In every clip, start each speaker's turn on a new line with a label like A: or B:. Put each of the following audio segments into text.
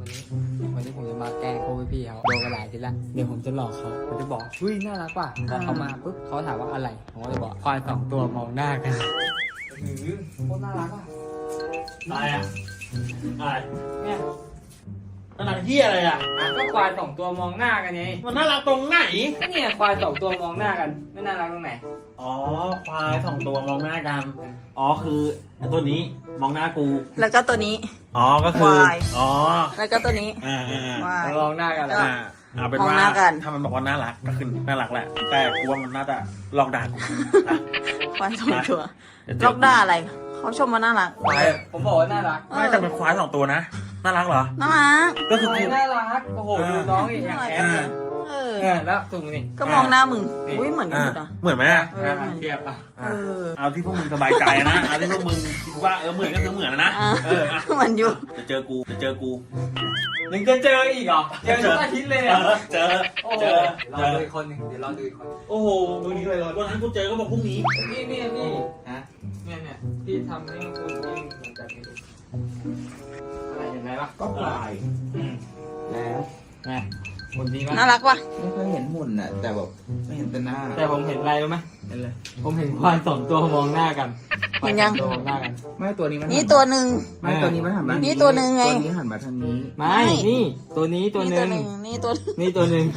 A: วันนี้ผมจะมาแกล้งพวกพี่เขาโดนกันหลายทีละเดี๋ยวผมจะหลอกเขาผมจะบอกเฮ้ยน่ารักว่ะพอเขามาปุ๊บเขาถามว่าอะไรผมก็จะบอกควายสองตัวมองหน้ากันโคตรน่ารักว่ะ
B: อะไรอ่ะอะไร
A: เนี่ย
B: มันหนังที่อะไรอ่ะ
A: ก็ควายสองตัวมองหน้ากันไง
B: มันน่ารักตรงไหน
A: เนี่ยควายสองตัวมองหน้ากันไม่น่ารักตรงไหน
B: อ๋อควายสองตัวมองหน้ากันอ๋อคือไอ้ตัวนี้มองหน้ากู
C: แล้วก็ตัวนี้
B: อ๋อก็คือ
C: ควาย
B: อ๋อ
C: แล้วก็ตัวนี้
A: ม
C: วาย
A: องหน้ากัน
C: ก็
A: แล้ว
B: เอาเป็น
C: มอง
B: ว่า
C: หน้ากัน
B: ถ้ามันบอกว่าน่ารักก็คือน่ารักแหละแต่กูว่ามันน่าจะลองด่ากูอ่ะ
C: ควายสองตัว
B: เดี๋ยวเจ
C: ลอกด่าอะไร เขาชมมาน่ารัก
B: ควาย
A: ผมบอกว่าน่ารัก
B: ไม่แต่เป็นควายสองตัวนะน่ารักเหรอ
C: น่ารัก
B: ก็คือ
A: ควาย
B: กู
A: น่ารักโอ้โหดูน้องอีกอย่างแอบเลย
C: เออ
A: แล้วตรงนี้
C: ก็มองหน้ามึง อุ้ยเหมือนกัน
B: อ่ะ
C: หมดอ่ะ
B: เหมือนไหมอ่ะ
C: เออ
A: เทียบอ่ะ
C: เออ
B: เอาที่พวกมึงสบายใจนะเอาที่พวกมึงคิดว่าเหมือนก็คือเหมือนนะ
C: อ่ะ
B: เอออ่ะ
C: เหมือนอยู่
B: จะเจอกูจะเจอกู
A: ยังจะเจออีกเหรอเจอทุกอาทิตย์เลย
B: เอ
A: อ่ะ
B: อเจอ
A: โอ้
B: เจ
A: โห
B: อ
A: รอ
B: เจอ
A: ดูอีกคนหนึงเดี๋ยวรอดูอีกคน
B: โอ้โหวันนี้เลยวันนั้นกูเจอก็บอกพรุ่งนี้
A: นี่
B: ฮะ
A: เนี่ยที่ทำให้คุณยิ่งเหมือนกันอะไรเห็นไหมล่ะ
D: ก็ปลาย แล้ว
A: ไงคนดีมาก
C: น่ารักว่ะ
D: ไม่ค่อยเห็นหุ่นน่ะ แต่แบบไม่เห็นแต่หน้า
A: แต่ผมเห็นอะไรรู้ไหมเห็นเลยผมเห็นควายสองตัวมองหน้ากัน
C: เห็นยัง
A: ควาสอตัวมองหน้ากัน
D: ไม่ตัวนี้มัน
C: นี่ตัวหนึ่ง
D: ไม่ตัวนี้มันหันมา
C: นี่ตัวหนึ่งไง
D: ตัวนี้หันมาทางนี้
A: ไม่นี่ตัวนี้ตัวห
C: นี่
A: นึ่
C: ตัว
A: ง
C: หนึ่งนี่ตัว
A: นี่ตัวหนึ่ง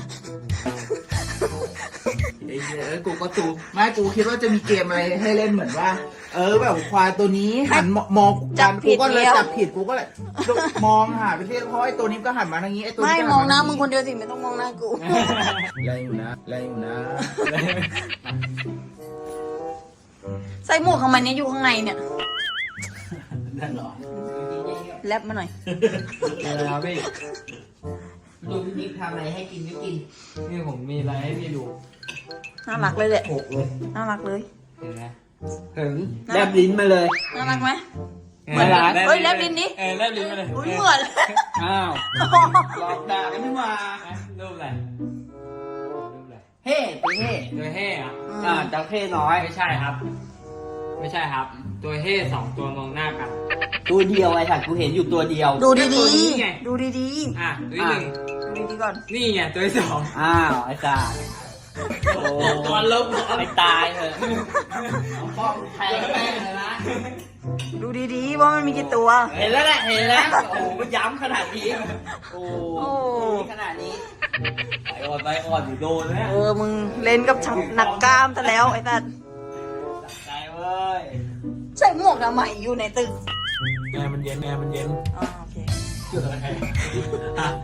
D: ไอ้เหี้ยกูก็ตูไม่กูคิดว่าจะมีเกมอะไรให้เล่นเหมือนว่า แบบควายตัวนี้หันมอง
C: จับผิด
D: กูก็เลย
C: แล้ว
D: จับผิดกูก็เลยมองหาไปเรื่อยเพราะไอ้ตัวนี้ก็หันมาทางนี้ไอ้ตัว
C: ไม่
D: นี้ก็
C: มองหน้า
D: หั
C: มึงคนเดียวสิไม่ต้องมองหน้ากู
D: แรงอยู่นะแรงอยู่นะ
C: ใส่หมวกทำไมเนี่ยอยู่ข้างในเนี่ย
B: นั่นเหรอ
C: แลบมาหน่อย
A: อะไรครับพี่
D: ดูพี่นิกทำอะไรให้กินก็กิน
A: นี่ผมมีอะไรให้พี่ดู
C: น่ารักเลยแหละ
D: โขกเลย
C: น่ารักเลย
A: เห็นไหมถึง
D: แลบลิ้นมาเลย
C: น่ารักไหม
A: เหมือน
C: เฮ้ยแลบลิ้นดิ
A: แลบลิ้นมาเลย
C: อุ้ยเหมือน
A: อ้าว
D: หลอกด่ากันไม่มา
A: รูปอะไรรูปอะไร
D: เฮ้ตัวเฮ้
A: ตัวเฮ่อะ
D: เจ้าเฮ้น้อย
A: ไม่ใช่ครับ ไม่ใช่ครับ ตัวเฮ่สองตัวมองหน้ากัน
D: ตัวเดียวไอ้สัตว์กูเห็นอยู่ตัวเดียว
C: ดู
A: ตัว
C: ดี
A: นี้ไง
C: ๆ ดูดี
A: อ่ะตัวที่หนึ่ง
C: ๆ ดูดีๆก่อน
A: นี่ไงตัวที่สอง
D: อ้าวไอ้สัตว์โอ้
A: ตัวลบ
D: ไปตายเถอะป้องแทงแม่งเลยนะ
C: ดูดีๆ ว่ามันมีกี่ตัว
D: เห็นแล้วแหละเห็นแล้วโอ้โหมันย้ำขนาดนี้โอ้
C: โอ้
D: ขนาดนี้ไปอ่อนอยู่โดนแล้ว
C: มึงเล่นกับชักหนักกล้ามซะแล้วไอ้สัส
D: ใจเว้ย
C: ใส่หมวกทำไมอยู่ในตึก
B: แอร์มันเย็นแอร์มันเย็น
C: อ๋อโอเค
B: เกิดอะไร